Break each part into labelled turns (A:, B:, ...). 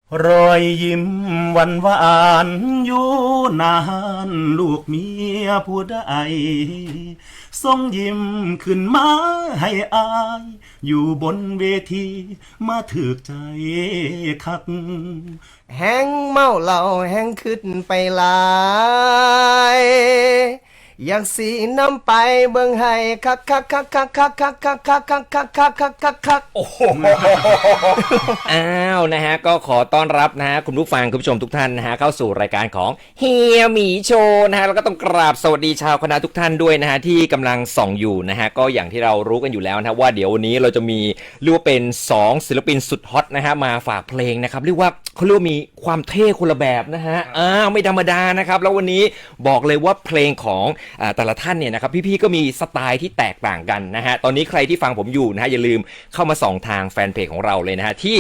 A: รอยยิ้มหวานหวานอยู่นานลูกเมียผู้ใดส่งยิ้มขึ้นมาให้อายอยู่บนเวทีมาถือใจคัก
B: แห้งเมาเหล้าแห้งขึ้นไปหลายอยากสีน้ำไปเบิ่งให้คักคักคักคักคักคักคักคักคักคักคักคักคักคัก
C: โอ้โหอ้าวนะฮะก็ขอต้อนรับนะฮะคุณผู้ฟังคุณผู้ชมทุกท่านนะฮะเข้าสู่รายการของเฮียหมีโชว์นะฮะแล้วก็ต้องกราบสวัสดีชาวคณะทุกท่านด้วยนะฮะที่กำลังส่องอยู่นะฮะก็อย่างที่เรารู้กันอยู่แล้วนะว่าเดี๋ยววันนี้เราจะมีเรียกว่าเป็น2ศิลปินสุดฮอตนะฮะมาฝากเพลงนะครับเรียกว่าเขาเรียกว่ามีความเท่คนละแบบนะฮะไม่ธรรมดานะครับแล้ววันนี้บอกเลยว่าเพลงของแต่ละท่านเนี่ยนะครับพี่ๆก็มีสไตล์ที่แตกต่างกันนะฮะตอนนี้ใครที่ฟังผมอยู่นะฮะอย่าลืมเข้ามาส่องทางแฟนเพจของเราเลยนะฮะที่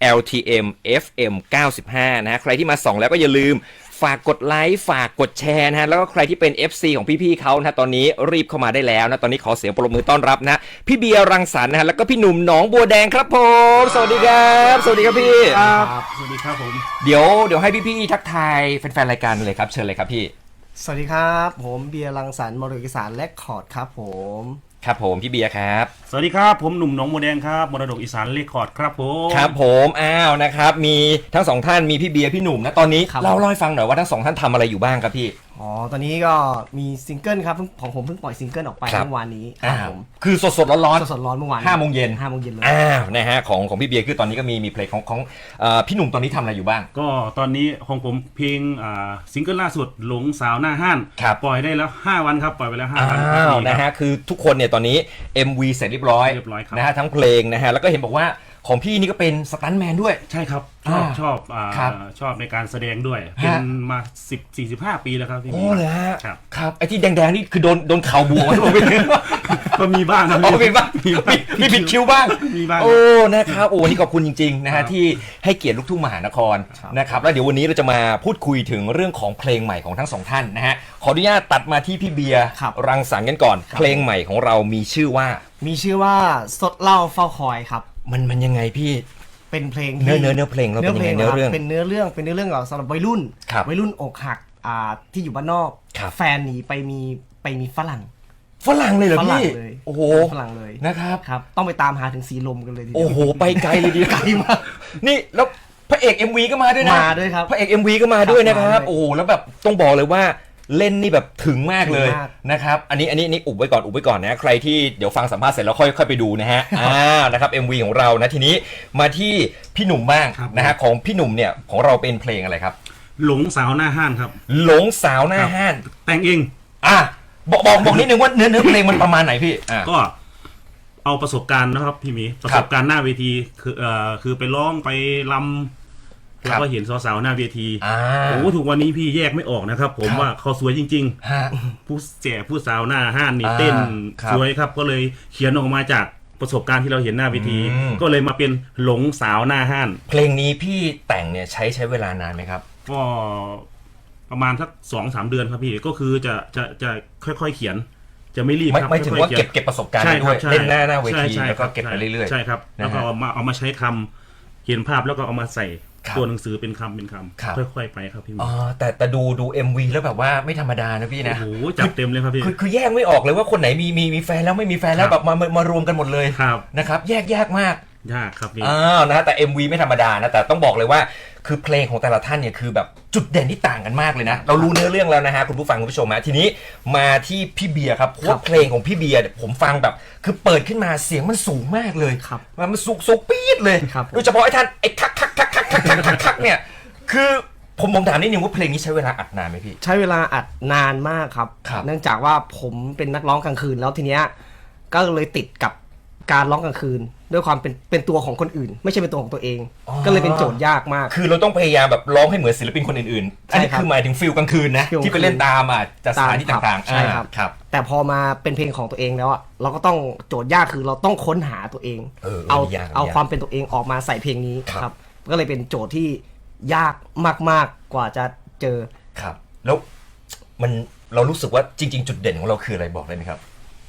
C: LTM FM 95นะฮะใครที่มาส่องแล้วก็อย่าลืมฝากกดไลค์ฝากกดแชร์นะฮะแล้วก็ใครที่เป็น FC ของพี่ๆเขานะตอนนี้รีบเข้ามาได้แล้วนะตอนนี้ขอเสียงปรบมือต้อนรับนะพี่เบียร์รังสรรค์นะฮะแล้วก็พี่หนุ่มหนองบัวแดงครับผมสวัสดีครับสวัสดีครับพี่
A: ครับสวัสดีครับผม
C: เดี๋ยวให้พี่ๆทักทายแฟนๆรายการเลยครับเชิญเลยครับพี่
B: สวัสดีครับผมเบียร์รังสรรค์มรดกอีสานและคอร์ดครับผม
C: ครับผมพี่เบียร์ครับ
A: สวัสดีครับผมหนุ่มหนองบัวแดงครับมรดกอีสานเรคคอร์ดครับผม
C: ครับผมอ้าวนะครับมีทั้งสองท่านมีพี่เบียร์พี่หนุ่มนะตอนนี้เล่าให้ฟังหน่อยว่าทั้งสองท่านทำอะไรอยู่บ้างครับพี่
B: ตอนนี้ก็มีซิงเกิลครับของผมเพิ่งปล่อยซิงเกิลออกไปเมื่อวานนี้
C: ครับผมคือสดร้อน
B: เมื่อวาน
C: 5 โมงเย็น
B: เลย
C: นะฮะของพี่เบียร์คือตอนนี้ก็มีเพลงของพี่หนุ่มตอนนี้ทำอะไรอยู่บ้าง
A: ก็ตอนนี้ของผมเพลงซิงเกิลล่าสุดหลงสาวหน้าห้านปล่อยได้แล้ว5 วันครับปล่อยไปแล้ว5 วัน
C: นะฮะคือทุกคนเนี่ยตอนนี้ MV เสร็จเรียบร้อยนะฮะทั้งเพลงนะฮะแล้วก็เห็นบอกว่าของพี่นี่ก็เป็นสตันท์แมนด้วย
A: ใช่ครับชอบในการแสดงด้วยเป็นมา40-45 ปีแล้วครับพี่
C: โอ้เลยฮะครับไอ้ที่แดงๆนี่คือโดนเข่าบวม
A: ก็มีบ้างครับ
C: มีบ้างมีผิดคิวบ้าง
A: มีบ้าง
C: โอ้นะครับโอ้นี่ขอบคุณจริงๆนะฮะที่ให้เกียรติลูกทุ่งมหานครนะครับแล้วเดี๋ยววันนี้เราจะมาพูดคุยถึงเรื่องของเพลงใหม่ของทั้งสองท่านนะฮะขออนุญาตตัดมาที่พี่เบียร์รังสรรค์กันก่อนเพลงใหม่ของเรามีชื่อว่า
B: สดเหล้าเฝ้าคอยครับ
C: มันยังไงพี่
B: เป็นเพลง
C: เนื้อเพลงเราเป็นยังไงเนื้อเรื่อง
B: เป็นเนื้อเรื่องสำหรับวัยรุ่นอกหักที่อยู่บ้านนอกแฟนหนีไปมีฝรั่ง
C: เลยเหรอพี่โอ้โห
B: ฝรั่งเลย
C: นะครับ
B: ต้องไปตามหาถึงสีลมกันเลย
C: โอ้โหไปไกลเลยดีไกลมากนี่แล้วพระเอก MV ก็มาด้วยนะ
B: มาด้วยครับ
C: พระเอก MV ก็มาด้วยนะครับโอ้โหแล้วแบบต้องบอกเลยว่าเล่นนี่แบบถึงมากเลยนะครับอันนี้อุบไว้ก่อนนะใครที่เดี๋ยวฟังสัมภาษณ์เสร็จแล้วค่อยไปดูนะฮะนะครับ MV ของเรานะทีนี้มาที่พี่หนุ่มบ้างนะฮะของพี่หนุ่มเนี่ยของเราเป็นเพลงอะไรครับ
A: หลงสาวหน้าห้านครับ
C: หลงสาวหน้าห้าน
A: แต่งเอง
C: บอกนิดนึงว่าเนื้อเพลงมันประมาณไหนพี่
A: ก็เอาประสบการณ์นะครับพี่หมีประสบการณ์หน้าเวทีคือไปร้องไปรำแล้วก็เห็นสาวๆหน้าเวทีโอ้ถูกวันนี้พี่แยกไม่ออกนะครับผมว่าเขาสวยจริงๆผู้สาวหน้าห้านนี่เต้นสวยครับก็เลยเขียนออกมาจากประสบการณ์ที่เราเห็นหน้าเวทีก็เลยมาเป็นหลงสาวหน้าห้าน
C: เพลงนี้พี่แต่งเนี่ยใช้เวลานานไหมครับ
A: ก็ประมาณสัก 2-3 เดือนครับพี่ก็คือจะค่อยๆเขียนจะไม่รีบครับ
C: ไม่ถึงว่าเก็บประสบการณ์ด้วยเล่นหน้าเวทีแล้วก็เก็บไปเรื่อยๆ
A: ใช่ครับแล้วก็เอามาใช้คำเขียนภาพแล้วก็เอามาใส่ตัวหนังสือเป็นคำค่อยๆไปครับพี่
C: แต่ดู MV แล้วแบบว่าไม่ธรรมดานะพี่นะ
A: โอ้โหจับเต็มเลยครับพี่
C: คือแยกไม่ออกเลยว่าคนไหนมีแฟนแล้วไม่มีแฟนแล้วแบบมารวมกันหมดเลยนะครับแยกยากมาก
A: ยากครับพี่
C: นะแต่ MV ไม่ธรรมดานะแต่ต้องบอกเลยว่าคือเพลงของแต่ละท่านเนี่ยคือแบบจุดเด่นที่ต่างกันมากเลยนะเรารู้เนื้อเรื่องแล้วนะฮะคุณผู้ฟังคุณผู้ชมนะทีนี้มาที่พี่เบียร์ครับเพราะเพลงของพี่เบียร์ผมฟังแบบคือเปิดขึ้นมาเสียงมันสูงมากเลยมันสูงปี๊ดเลยโดยเฉพาะไอ้ท่านไอ้คักเนี่ยคือผมถามนิดนึงว่าเพลงนี้ใช้เวลาอัดนานไหมพี่
B: ใช้เวลาอัดนานมากครับเนื่องจากว่าผมเป็นนักร้องกลางคืนแล้วทีเนี้ยก็เลยติดกับการร้องกลางคืนด้วยความเป็นตัวของคนอื่นไม่ใช่เป็นตัวของตัวเองก็เลยเป็นโจทย์ยากมาก
C: คือเราต้องพยายามแบบร้องให้เหมือนศิลปินคนอื่นๆอันนี้คือหมายถึงฟิลกลางคืนนะที่ไปเล่นตามจากสถานที่ต่างๆ
B: ใช่ครับแต่พอมาเป็นเพลงของตัวเองแล้วเราก็ต้องโจทย์ยากคือเราต้องค้นหาตัวเองเอาความเป็นตัวเองออกมาใส่เพลงนี้ครับก็เลยเป็นโจทย์ที่ยากมากๆกว่าจะเจอ
C: ครับแล้วเรารู้สึกว่าจริงๆจุดเด่นของเราคืออะไรบอกได้ไหมครับ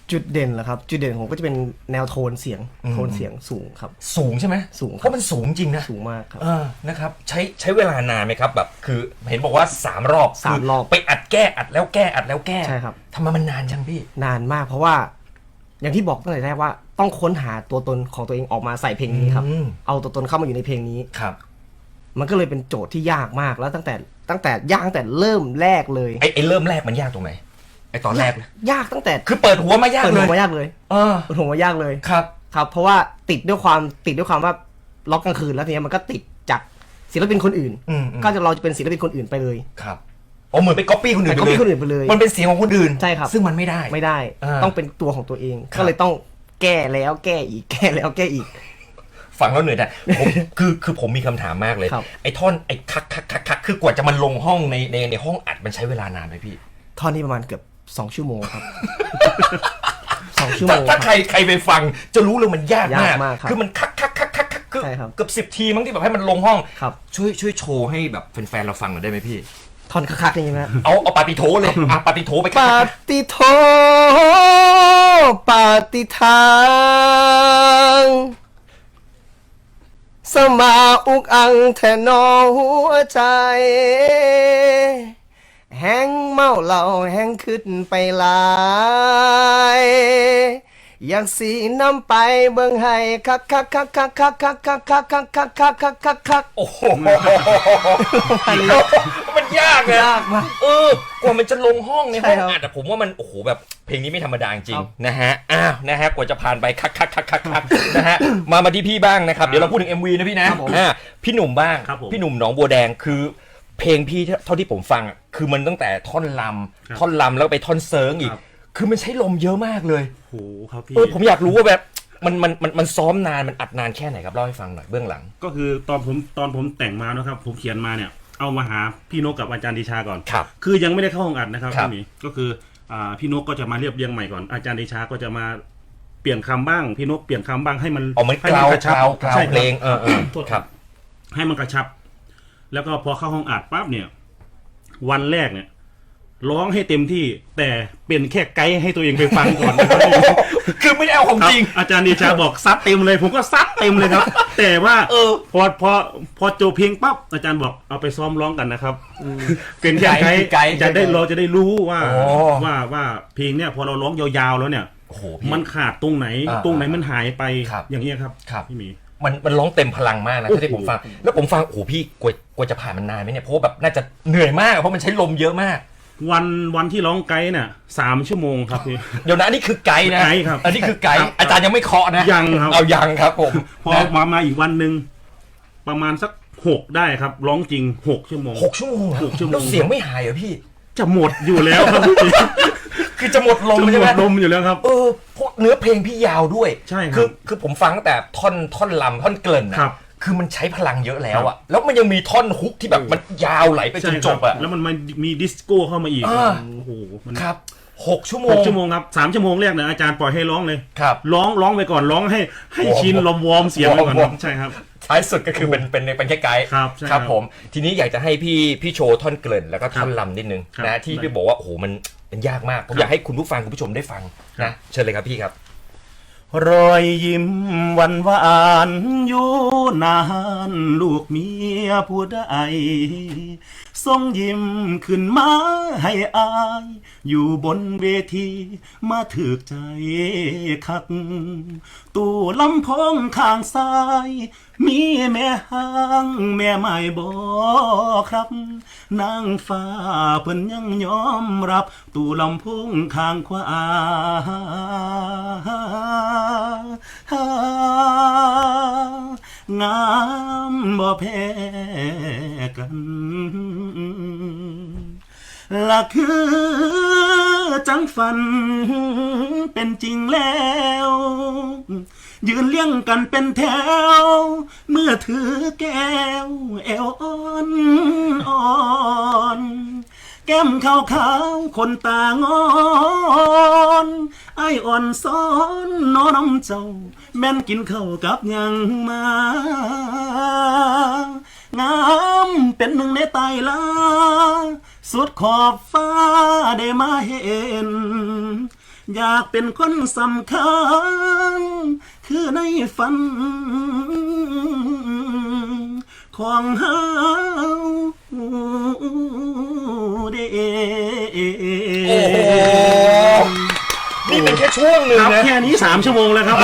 B: จุดเด่นเหรอครับจุดเด่นผมก็จะเป็นแนวโทนเสียงสูงครับ
C: สูงใช่ไหม
B: สูงครับ
C: เพราะมันสูงจริงนะ
B: สูงมากครับ
C: นะครับใช้เวลานานไหมครับแบบคือเห็นบอกว่า3 รอบ
B: 3 รอบ
C: ไปอัดแก้อัดแล้วแก้อัดแล้วแก้
B: ใช่ครับ
C: ทำไมมันนานจังพี่
B: นานมากเพราะว่าอย่างที่บอกตั้งแต่แรกว่าต้องค้นหาตัวตนของตัวเองออกมาใส่เพลงนี้ครับ เอาตัวตนเข้ามาอยู่ในเพลงนี้
C: ครับ
B: มันก็เลยเป็นโจทย์ที่ยากมากแล้วตั้งแต่ยากตั้งแต่เริ่มแรกเลย
C: ไอ้เริ่มแรกมันยากตรงไหนไอ้ตอนแรกนะ
B: ยากตั้งแต่
C: คือเปิดหัวมายาก
B: เปิด
C: เล
B: หั
C: ยว
B: มายากเลย
C: เออ
B: เปิดหัวมายากเลย
C: ครับ
B: ครับ เพราะว่าติดด้วยความว่าล็อกกลางคืนแล้วทีนี้มันก็ติดจากศิลปินคนอื่น ก็เราจะเป็นศิลปินคนอื่นไปเลย
C: ครับอ๋อเหมือนไปก๊อปปี้คนอื่น
B: ไป copy คนอื่นไปเลย
C: มันเป็นเสียงของคนอื่น
B: ใช่ครับ
C: ซึ่งมันไม่ได้
B: ไม่ได้ ต้องเป็นตัวของตัวเอง ก็เลยต้องแก้แล้วแก้อีกแก้แล้วแก้อีก
C: ฟังแล้วเหนื่อยแต่ผม คือผมมีคำถามมากเลย
B: ครับ
C: ไอ้ท่อนไอ้คักคือกว่าจะมันลงห้องในห้องอัดมันใช้เวลานานไหมพี่
B: ท่อนนี้ประมาณเกือบ2 ชั่วโมงครับ 2 ชั่วโมง
C: ถ้า
B: ครับ
C: ใครไปฟังจะรู้เลยมันยาก
B: ยากมากครับ
C: คือมันคักคือ
B: ใช่ครับ
C: เกือบ10 ทีมั้งที่แบบให้มันลงห้อง
B: ครับ
C: ช่วยโชว์ให้แบบแฟนๆเราฟังหน่อยได้ไหมพี่
B: ท่อนคักๆอย่างนี้นะ
C: เอาปาติโถเลยปาติโถไป
B: ปาติโทปาติทาง สมาอุกอังแทนอหัวใจ แห้งเมาเหล่าแห้งขึ้นไปหลาย อยากสีน้ำไปเบิ่งให้คัก
C: โอ้โหมันยากเลย
B: ยากมาก
C: กว่ามันจะลงห้องในห้อง
B: ใช่ครับ
C: อัดแต่ผมว่ามันโอ้โหแบบเพลงนี้ไม่ธรรมดาจริง
B: ครับ
C: นะฮะนะฮะกว่าจะผ่านไปคักนะฮะมาที่พี่บ้างนะครับเดี๋ยวเราพูดถึง MV นะพี่นะครับ
B: ผม
C: พี่หนุ่มบ้าง
A: ครับผม
C: พี่หนุ่มหนองบัวแดงคือเพลงพี่เท่าที่ผมฟังอะคือมันตั้งแต่ท่อนล
A: ครับ
C: ำท่อนลำแล้วไปท่อนเซิร์งอีก
A: ครับ
C: คือมันใช้ลมเยอะมากเลย
A: โหครับพี่
C: ผมอยากรู้ว่าแบบมันซ้อมนานมันอัดนานแค่ไหนครับเล่าให้ฟังหน่อยเบื้องหลัง
A: ก็คือตอนผมแต่งมานะครับ ผมเขียนมาเนี่ยเอามาหาพี่นกกับอาจารย์ดิชาก่อน
C: ครับ
A: คือยังไม่ได้เข้าห้องอัดนะครับ
C: ครับ
A: พี่หมีก็คือพี่นกก็จะมาเรียบเรียงใหม่ก่อนอาจารย์ดิชาก็จะมาเปลี่ยนคำบ้างพี่นกเปลี่ยนคำบ้างให้มัน
C: อ๋อมัน
A: ให้
C: กล่าว
A: กระชับ
C: กล่าว
A: ใช่ค
C: เพล
A: รับ
C: ง
A: โทษ
C: ครับ
A: ให้มันกระชับ แล้วก็พอเข้าห้องอัดปั๊บเนี่ย วันแรกเนี่ยร้องให้เต็มที่แต่เป็นแค่ไกด์ให้ตัวเองไปฟังก่อนนะครับ
C: คือไม่ได้เอาของจริง
A: อาจารย์ดิชาบอกซัดเต็มเลย ผมก็ซัดเต็มเลยครับ แต่ว่าพอจบเพลงปั๊บอาจารย์บอกเอาไปซ้อมร้องกันนะครับเป็นแค่ไกด์
C: ไกด์
A: เราจะได้รู้ว่า
C: อ๋อ
A: ว่าเพลงเนี่ยพอเราร้องยาวๆแล้วเนี่ย
C: โอ้โหพี่
A: มันขาดตรงไหน ตรงไหนมันหายไป
C: ครับ
A: อย่างเงี้ยครับ
C: ครับ
A: พี่หมี
C: มันร้องเต็มพลังมากนะที่ผมฟัง แล้วผมฟังโอ้โหพี่กว่าจะผ่านมันนานไหมเนี่ยเพราะว่าแบบน่าจะเหนื่อยมากเพราะมันใช้ลมเยอะมาก
A: วันที่ร้องไกด์เนี่ย3 ชั่วโมงครับพี่
C: เดี๋ยวนะอันนี้คือไกด์นะ
A: ไกด์ครับ
C: อันนี้คือไกด์
A: ครับ
C: อาจารย์ยังไม่เคาะนะ
A: ยังครับ
C: เอายังครับผม
A: พอ
C: นะ
A: มาอีกวันหนึ่งประมาณสัก6ได้ครับ ร้องจริง6 ชั่วโมง
C: 6 ชั่วโมงเหรอ
A: 6 ชั่วโมง
C: แล้วเสียงไม่หายเหรอพี่
A: จะหมดอยู่แล้วครับพี่
C: คือจะหมดลม
A: จะ
C: ใช่
A: ห
C: ไห
A: ม
C: ม
A: ดลมอยู่แล้วครับ
C: เพราะเนื้อเพลงพี่ยาวด้วย
A: ใช่ครับ
C: คือผมฟังตั้งแต่ท่อนลำท่อนเกริ่นนะครับ คือมันใช้พลังเยอะแล้ว
A: ครั
C: อะ
A: บ
C: แล้วมันยังมีท่อนฮุกที่แบบมันยาวไหลไปจ
A: ใช่
C: น
A: ค
C: จ
A: รับบ
C: อะ
A: แล้วมันมีดิสโก้เข้ามาอีก
C: อ่า
A: โอ้โหมัน
C: ครับ6 ชั่วโมง
A: 6 ชั่วโมงครับ3 ชั่วโมงแรกเนี่ยอาจารย์ปล่อยให้ร้องเลย
C: ครับ
A: ร้องไปก่อนร้องให้
C: วอร์ม
A: ชินลมวอร์มเสียงไปก่อน
C: ว
A: ค
C: อ
A: รั
C: ร์ม
A: บใช่ครับ
C: ท้ายสุดก็คือเป็นแค่ไกด์
A: ครับใช่
C: ค
A: ครั
C: รับบ ผมทีนี้อยากจะให้พี่โชว์ท่อนเกริ่นแล้วก็ท่อน
A: ครับ
C: ลำนิดนึง
A: ครับ
C: นะที่
A: ได้
C: พี่บอกว่าโอ้โหมันยากมากผมอยากให้คุณผู้ฟังคุณผู้ชมได้ฟัง
A: ครั
C: นะ
A: บ
C: เชิญเลยครับพี่ครับ
A: รอยยิ้มหวันหวานอยู่นานลูกเมียผู้ใดทรงยิ้มขึ้นมาให้อาย อยู่บนเวทีมาถึกใจคัก ตู้ลำโพงข้างซ้าย มีแม่ห้างแม่ไม่บอกครับนางฟ้าเพิ่นยังยอมรับ ตู้ลำโพงข้างขวางามบ่แพ้กันละคือจังฝันเป็นจริงแล้ว ยืนเลี้ยงกันเป็นแถว เมื่อถือแก้วแอวอ่อนแก้มขาวคนตางอนไออ่อนซ้อนน้อน้ำเจ้าแม่นกินข้าวกับยังมางามเป็นหนึ่งในตายลาสุดขอบฟ้าได้มาเห็นอยากเป็นคนสำคัญคือในฝันของเฮาเด้
C: โอ้โหนี่เป็นแค่ช่วงหนึ่ง
A: ครับ
C: นะ
A: แค่นี้3 ชั่วโมงแล้วครับ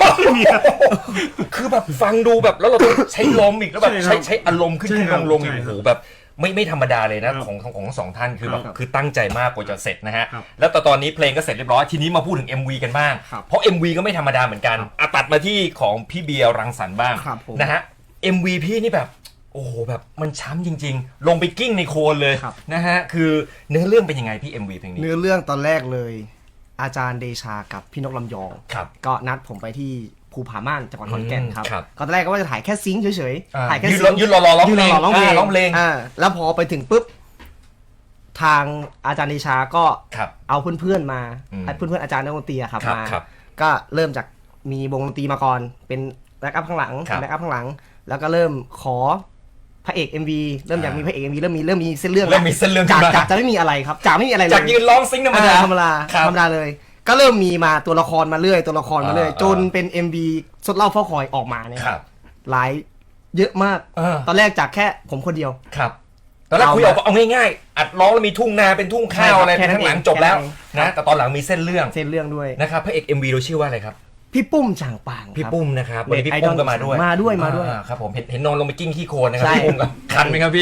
C: คือแบบฟังดูแบบแล้วเราต้องใช้ลมอีกแล้วแบบ
A: ใช่ครับ
C: ใช้อารมณ์ขึ้น
A: ใช่
C: ขึ้น
A: ครั
C: ล
A: บ
C: งลงอีก
A: ใช่
C: โอ้
A: ครับ
C: โหแบบไม่ธรรมดาเลยนะ
A: ครับ
C: ของทั้งสองท่านคือแบบ
A: ครับ
C: คือตั้งใจมากกว่าจะเสร็จนะฮะ
A: ครับ
C: แล้วตอนนี้เพลงก็เสร็จเรียบร้อยทีนี้มาพูดถึง MV กันบ้าง
B: ครับ
C: เพราะ MV ก็ไม่ธรรมดาเหมือนกันตัดมาที่ของพี่เบียร์รังสรรค์บ้าง
B: ครับผม
C: นะฮะ MV พี่นี่แบบโอ้โหแบบมันช้ำจริง ๆ ลงไปกิ้งในโคลนเลย
B: ครับ
C: นะฮะคือเนื้อเรื่องเป็นยังไงพี่ MV เพลงนี้
B: เนื้อเรื่องตอนแรกเลย อาจารย์เดชากับพี่นกลำยอง
C: ครับ
B: ก็นัดผมไปที่ภูผาม่านจังหวัดขอนแก่นครับ
C: ครับ
B: ก็ตอนแรกก็ว่าจะถ่ายแค่ซิงค์เฉย
C: อ่า
B: ๆถ่ายแค่
C: ยืน
B: ซิงค์
C: ยืนรอร้องเพลง
B: ยืนรอร้องเพลง
C: ร้องเพลง
B: แล้วพอไปถึงปุ๊บทางอาจารย์เดชาก็
C: ครับ
B: เอาเพื่อนๆมา
C: อืม
B: เพื่อนๆอาจารย์นักดนตรีอะครับ
C: ครับ
B: มา
C: ครับ
B: ก็เริ่มจากมีวงดนตรีมาก่อนเป็นแบ็กอัพข้างหลัง
C: ครับ
B: แบ็กอัพข้างหลัง แล้วก็เริ่มขอพระเอก MV เริ่มอยากมีพระเอก MV เริ่มมีเส้นเรื่อง
C: เริ่มมีเส้นเรื่อง
B: จาก
C: ขึ้นมา
B: จากจะไม่มีอะไรครับจากไม่มีอะไรเลย
C: จากยืนร้องซิงค์ธรรมดา
B: ธรรมดา
C: ครับ
B: ธรรมดาเลย ก็เริ่มมีมาตัวละครมาเรื่อยตัวละครมาเรื่อย
C: อ่า
B: จนเป็น MV สดเล่าเฝ้าคอยออกมาเนี่ย
C: ครับ
B: หลายเยอะมาก ตอนแรกจากแค่ผมคนเดียว
C: ครับตอนแรกคุยออกเอาง่ายๆอัดร้องแล้วมีทุ่งนาเป็นทุ่งข้าวอะไร
B: แค่นั้น
C: ข้างหลัง
B: เอง
C: จบแล้ว
B: แค่นั้นเอง
C: นะแต่ตอนหลังมีเส้นเรื่อง
B: เส้นเรื่องด้วย
C: นะครับพระเอก MV เราชื่อว่าอะไรครับ
B: พี่ปุ้มช่างปาง
C: พี่
B: ครับ
C: ปุ้มนะครับวันนี้พี่
B: ไอด
C: ปุ้
B: อ
C: ม
B: ล
C: ก็มาด้วย
B: มาด้วย
C: ครับผมเห็นนอนลงไปกิ้งขี้โคลนนะครั
B: ใช่
C: พี่ปุ้มครับคันไหมครับพี่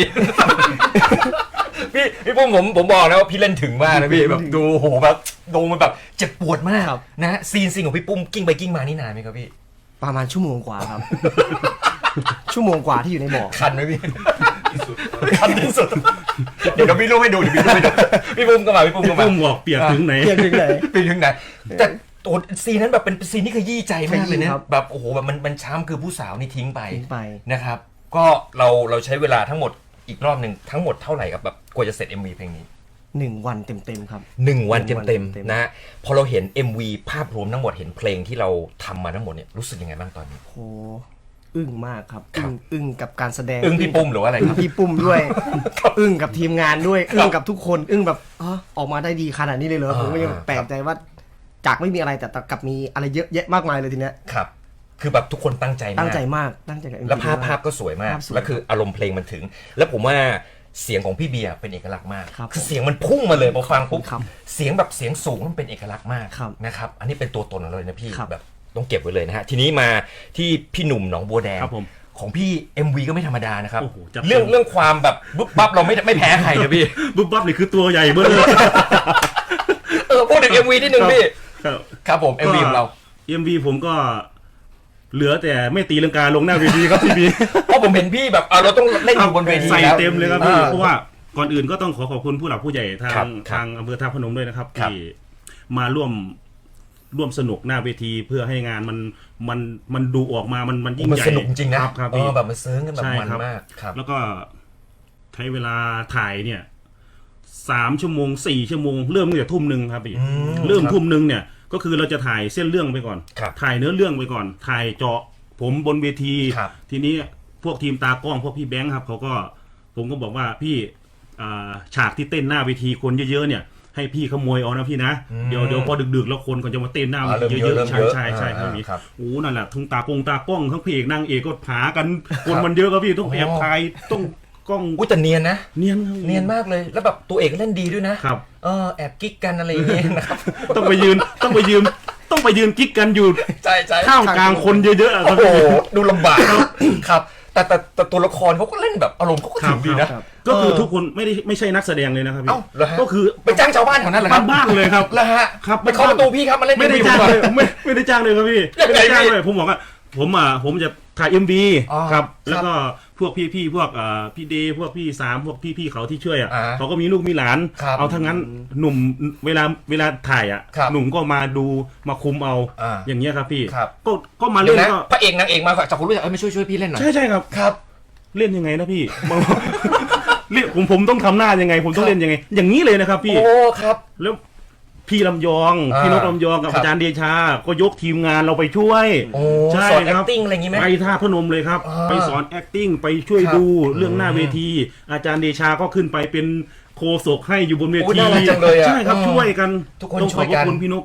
C: พี่ปุ้มผมบอกนะว่าพี่เล่นถึงมากนะพี่แบบดูโหแบบดูมันแบบเจ็บปวดมาก
B: ครับ
C: นะฮะซีนของพี่ปุ้มกิ้งไปกิ้งมานี่นานไหมครับพี่
B: ประมาณชั่วโมงกว่าครับ ชั่วโมงกว่าที่อยู่ในบ่อ
C: คันไหมพี่คันที่สุดเดี๋ยวพี่รูปให้ดูเดี๋ยวพี่รูปให้ดูพี่ปุ้มก็มาพี่ปุ้มก็มา
A: ปุ้มบอกเปียกถึงไหน
B: เพียงถึงไหน
C: ไปถึงไหนแต่โอ้ซีนนั้นแบบเป็นซีนที่ขยี้ใจมากเลย
B: ขยี้
C: นะครับ แบบโอ้โหแบบมันช้ำคือผู้สาวนี่ทิ้งไป
B: ทิ้งไป
C: นะครับ ก็เราใช้เวลาทั้งหมดอีกรอบหนึ่งทั้งหมดเท่าไหร่กับแบบกว่าจะเสร็จ MV เพลงนี้
B: 1 วันเต็มๆครับ
C: 1 วัน
B: หนึ่งวัน
C: เต็ม
B: เต็ม
C: ๆ
B: ๆ
C: นะฮะพอเราเห็น MV ภาพรวมทั้งหมดเห็นเพลงที่เราทำมาทั้งหมดเนี่ยรู้สึกยังไงบ้างตอนนี้
B: โหอึ้งมากครับ
C: ครับ
B: อึ้งกับการแสดง
C: อึ้งพี่ปุ้มหรือว่าอะไร
B: อึ้
C: ค
B: ง
C: รับ
B: พี่ปุ้มด้วย อึ้งกับทีมงานด้วย อึ้งกับทุกคน อึ้งแบบอ๋อออกมาได้ดีขนาดนี้เลยเหรอผมก็ยังแปลกใจว่าจากไม่มีอะไรแต่กลับมีอะไรเยอะแยะมากมายเลยทีเนี้ย
C: ครับ คือแบบทุกคนตั้งใจมาก
B: ตั้งใจมากตั้งใจกับ MV
C: แล้วภาพ
B: มก
C: ภาพก็สวยมาก
B: ภาพสวย
C: แล้วคืออารมณ์เพลงมันถึง แล้วผมว่าเสียงของพี่เบียร์เป็นเอกลักษณ์มาก
B: ครับ
C: คือเสียงมันพุ่งมาเลยพอฟังปุ๊บ
B: ครับ
C: เสียงแบบเสียงสูงมันเป็นเอกลักษณ์มาก
B: ครับ
C: นะครับ อันนี้เป็นตัวตนของเราเลยนะพี่
B: ครับ
C: แบบต้องเก็บไว้เลยนะฮะ ทีนี้มาที่พี่หนุ่มหนองบัวแดง
A: ครับผม
C: ของพี่ MV ก็ไม่ธรรมดานะครับ
A: โอ้โหจับ
C: เรื่องความแบบบุ๊บปั๊บเราไม่แพ้ใครนะพี่
A: บุบบับนี่คือตัวใหญ่เบ้อเลย
C: พูดถึง MV นิดนึงพี่
A: ครับ
C: ครับผม MV ของเรา
A: MV ผมก็ เหลือแต่ไม่ตีลังกาลงหน้าเวทีครับพี่บี
C: เพราะผมเห็นพี่แบบเราต้องเล่นอยู่บนเวที
A: ใส่
C: แล้ว
A: เต็มเลยครับพี่เพราะว่าก่อนอื่นก็ต้องขอบคุณผู้หลักผู้ใหญ่ทา
C: ครั
A: ง
C: บ
A: ทางอำเภอท่าพนมด้วยนะครับ
C: ครับ
A: ที่มาร่วมสนุกหน้าเวทีเพื่อให้งานมันดูออกมามันยิ่ง
C: มัน
A: ใหญ่
C: สนุกจริงนะครับ
A: ครับ
C: เอ
A: พี่
C: อแบบมันซึ้งกันแบบ
A: ใช่
C: มัน
A: ครับ
C: มากครับ
A: แล้วก็ใช้เวลาถ่ายเนี่ย3 ชั่วโมง 4 ชั่วโมงเริ่มตั้งแต่ทุ่มหนึ่งครับพี่
C: อืม
A: เริ่ม
C: ครับ
A: ทุ่มหนึ่งเนี่ยก็คือเราจะถ่ายเส้นเรื่องไปก่อน
C: ครับ
A: ถ่ายเนื้อเรื่องไปก่อน ถ่ายเจาะผมบนเวที
C: ครับ
A: ทีนี้พวกทีมตากล้องพวกพี่แบงค์ครับผมก็บอกว่าพี่ฉากที่เต้นหน้าเวทีคนเยอะๆเนี่ยให้พี่ขโมยเอานะพี่นะเดี๋ยวพอดึกๆแล้วคนก็จะมาเต้นหน้าเวทีเยอะๆใช่ใช่ครับพี่
C: ครับ
A: โอ้นั่นแหละทั้งตากล้องทั้งเพลงนางเอกก็หากันคนมันเยอะครับพี่ต้องแอบถ่ายต้องกล้อง
C: อุ้ยแต่เนียนนะ
A: เนียนครับ
C: เนียนมากเลยแล้วแบบตัวเอกก็เล่นดีด้วยนะครับ แอบกิ๊กกันอะไรอย่างเงี้ยนะครับ
A: ต้องไปยืนกิ๊กกันอยู่
C: ใช่ใช่
A: ท่ามกลางคนเยอะๆอะค
C: โอ้
A: รับ
C: โห
A: พี่
C: ดูลำบากครับแต่ตัวละครเขาก็เล่นแบบอารมณ์เขาก็ถึงดีนะ
A: ก็คือทุกคนไม่ใช่นักแสดงเลยนะครับพี่
C: เอ้าเหรอฮะ
A: ก็คือ
C: ไปจ้างชาวบ้านแถวนั้นเหรอครับ
A: บ้านๆเลยครับ
C: แล้วฮะ
A: ครับ
C: ไปเคาะประตูพี่ครับมาเล่น
A: ไม่ได้
C: MV
A: จ้าง
C: ผมก่อน
A: เลยไม่ได้จ้างเลยครับพี่
C: ยังไง
A: ไม่ได้จ้าง
C: พี่
A: เลยผมบอกว่าผมจะถ่าย MV
C: อ๋อ
A: ครับ
C: ครับ
A: แล้วก็พวกพี่พวกพี่เดย์พวกพี่สามพวกพี่เขาที่ช่วยอ่ะ
C: อ่า
A: เขาก็มีลูกมีหลาน
C: ครับ
A: เอาทั้งนั้นหนุ่มเวลาถ่ายอ่ะ
C: ครับ
A: หนุ่มก็มาดูมาคุมเอา
C: อ่า
A: อย่างเงี้ยครับพี่
C: ครับ
A: ก็มา
C: เดี๋ย
A: เล่
C: วน นะ
A: ก็
C: พระเอกนางเอกมาจากคนรู้จักมาช่วยพี่เล่นหน่อย
A: ใช่ครับ
C: ครับ
A: เล่นยังไงนะพี่ เรียกผมต้องทำหน้ายังไง ผมต้องเล่นยังไง อย่างนี้เลยนะครับพี่
C: โอ้ครับ
A: แล้วพี่ลำยอง
C: อ่า
A: พี่นกลำยองกับ
C: ครับ
A: อาจารย์เดชา ก็ยกทีมงานเราไปช่วย
C: โอ้
A: ใช่
C: สอน
A: ครับ
C: acting อะไรอย่างงี้ไหม
A: ไปท่าพนมเลยครับ
C: อ่า
A: ไปสอน acting ไปช่วย
C: ครับ
A: ดูเรื่องหน้าเวที อาจารย์เดชาก็ขึ้นไปเป็นโคศกให้อยู่บนเว
C: โอ้
A: ที
C: น่ารักจังเลยอะ
A: ใช่ครับ
C: อืม
A: ช่วยกัน
C: ทุกคน
A: ต้อง
C: ช่
A: ขอ
C: วย
A: บ
C: กัน
A: คุณพี่นก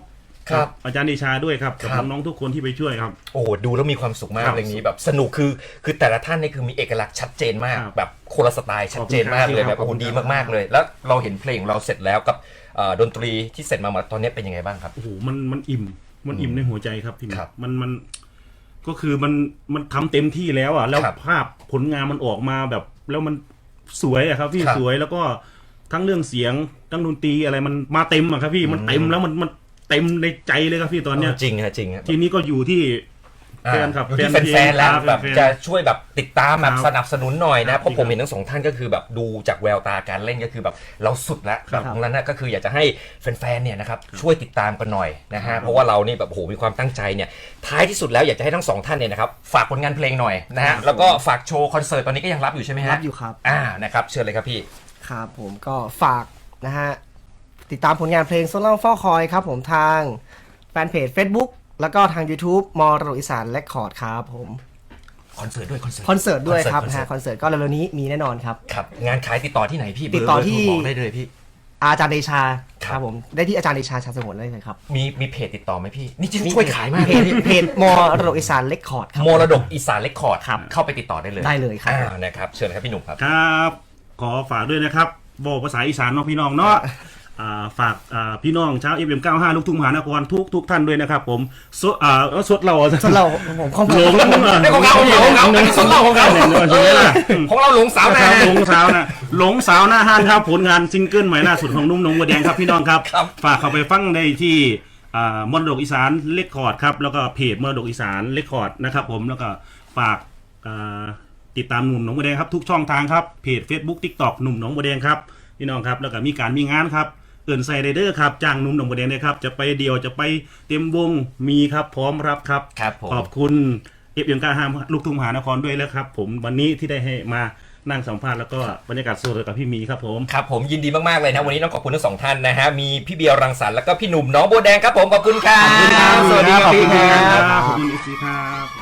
C: ครับ
A: อาจารย์เดชาด้วยครับกับ
C: ครับ
A: น้องๆทุกคนที่ไปช่วยครับ
C: โอ้โหดูแล้วมีความสุขมาก
A: ครับ
C: เพลงนี้แบบสนุกคือแต่ละท่านนี่คือมีเอกลักษณ์ชัดเจนมาก
A: ครับ
C: แบบคนละสไตล์ชัดเจนมากเลย
A: ข
C: แบ
A: อ
C: บบ โอ้
A: คุ
C: โห
A: ณครับ
C: ดีมากๆเลย แล้วเราเห็นเพลงของเราเสร็จแล้วกับดนตรีที่เสร็จมาตอนนี้เป็นยังไงบ้างครับ
A: โอ้โหมันอิ่มในหัวใจครับพี่หมี
C: ครับ
A: มันก็คือมันทำเต็มที่แล้วอ่ะแล้ว
C: ครับ
A: ภาพผลงานมันออกมาแบบแล้วมันสวยอะครับพี่
C: ครับ
A: สวยแล้วก็ทั้งเรื่องเสียงทั้งดนตรีอะไรมันมาเต็มอะครับพี่มันเต็มแล้วมันเต็มในใจเลยครับพี่ตอนเนี้ย
C: จริงฮะจริงฮะ
A: ทีนี้ก็อยู่ที่แฟนครับ
C: อยู่ที่แฟนๆแล้ว
A: ครับ
C: แบบ
A: ฟนๆ
C: จะช่วยแบบติดตามแบบ
A: ครับ
C: สนับสนุนหน่อย
A: ครั
C: นะ
A: บ
C: เพราะผมเห็นทั้งสองท่านก็คือแบบดูจากแววตาการเล่นก็คือแบบเราสุดแล้ว
A: ครับ
C: ตรงนั้นนะก็คืออยากจะให้แฟนๆเนี่ยนะครับช่วยติดตามกันหน่อยนะฮะเพราะว่าเรานี่แบบโอ้โหมีความตั้งใจเนี่ยท้ายที่สุดแล้วอยากจะให้ทั้งสองท่านเนี่ยนะครับฝากผลงานเพลงหน่อยนะฮะแล้วก็ฝากโชว์คอนเสิร์ตตอนนี้ก็ยังรับอยู่ใช่ไหมฮะ
B: รับอยู่ครับ
C: นะครับเชิญเลยครับพี่
B: ครับผมก็ฝากนะฮะติดตามผลงานเพลงโซล่าเฝ้าคอยครับผมทางแฟนเพจ Facebook แล้วก็ทาง YouTube มรดกอีสานเรคคอร์ดครับผม
C: คอนเสิร์ตด้วย
B: คอนเสิร์ตด้วยครับนะฮะคอนเสิร์ตก็เร็วๆนี้มีแน่นอนครับ
C: ครับงานขายติดต่อที่ไหนพี่
B: ติดต่อที่
C: เบร์โทรบอกได้เลยพี่
B: อาจารย์เดชา
C: ครับ
B: ผมได้ที่อาจารย์เดชาชาสงวนได้เลยครับ
C: มีเพจติดต่อไหมพี่นี่ช่วยขายมาก
B: เพ
C: เลย
B: จ
C: พี่
B: เพจมรดกอีสานเรคคอร์ดครับ
C: มรดกอีสานเรคคอร์ด
B: ครับ
C: เข้าไปติดต่อได้เลย
B: ได้เลยครับ
C: นะครับเชิญครับพี่หนุ่มครับ
A: ครับขอฝากด้วยนะครับบอกภาษาอีสานเนาะพี่น้องเนาะฝากพี่น้องชาว FM95 ลูกทุ่งมหานครทุกท่านด้วยนะครับผมสดเรา
B: ส่วนเราผมข้อมูล
A: หลง
C: นี่ของเราอันนี้สดเราของเรา
A: ใช่ไหมล่ะ
C: ของเราหลงสาว
A: ค
C: นะ
A: รับหลงสาวนะหลงสาวหน้าห้านครับผลงานซิงเกิลใหม่ล่าสุดของนุ่มหนงบัวแดงครับพี่น้องครับ
C: ครับ
A: ฝากเข้าไปฟังได้ที่มรดกอีสานเรคคอร์ดครับแล้วก็เพจมรดกอีสานเรคคอร์ดนะครับผมแล้วก็ฝากติดตามหนุ่มหนองบัวแดงครับทุกช่องทางครับเพจ Facebook TikTok หนุ่มหนองบัวแดงครับพี่น้องครับแล้วก็มีงานครับเอินไซเดอร์ครับจ้างหนุ่มหนองบัวแดงเลยครับจะไปเดียวจะไปเต็มวงมีครับพร้อมรับครับ
C: ครับผม
A: ขอบคุณFM95 ลูกทุ่งมหานครด้วยแล้วครับผมวันนี้ที่ได้ให้มานั่งสัมภาษณ์แล้วก็บรรยากาศสดกับพี่หมีครับผม
C: ครับผมยินดีมากๆเลยนะวันนี้ต้องขอบคุณทั้งสองท่านนะฮะมีพี่เบียร์รังสรรค์แล้วก็พี่หนุ่มน้องบัวแดงครับผมขอบคุณครับ
A: ขอบคุณครับ
C: สวัสดีครับพี่ครับ
A: ขอบคุณอีกทีครับ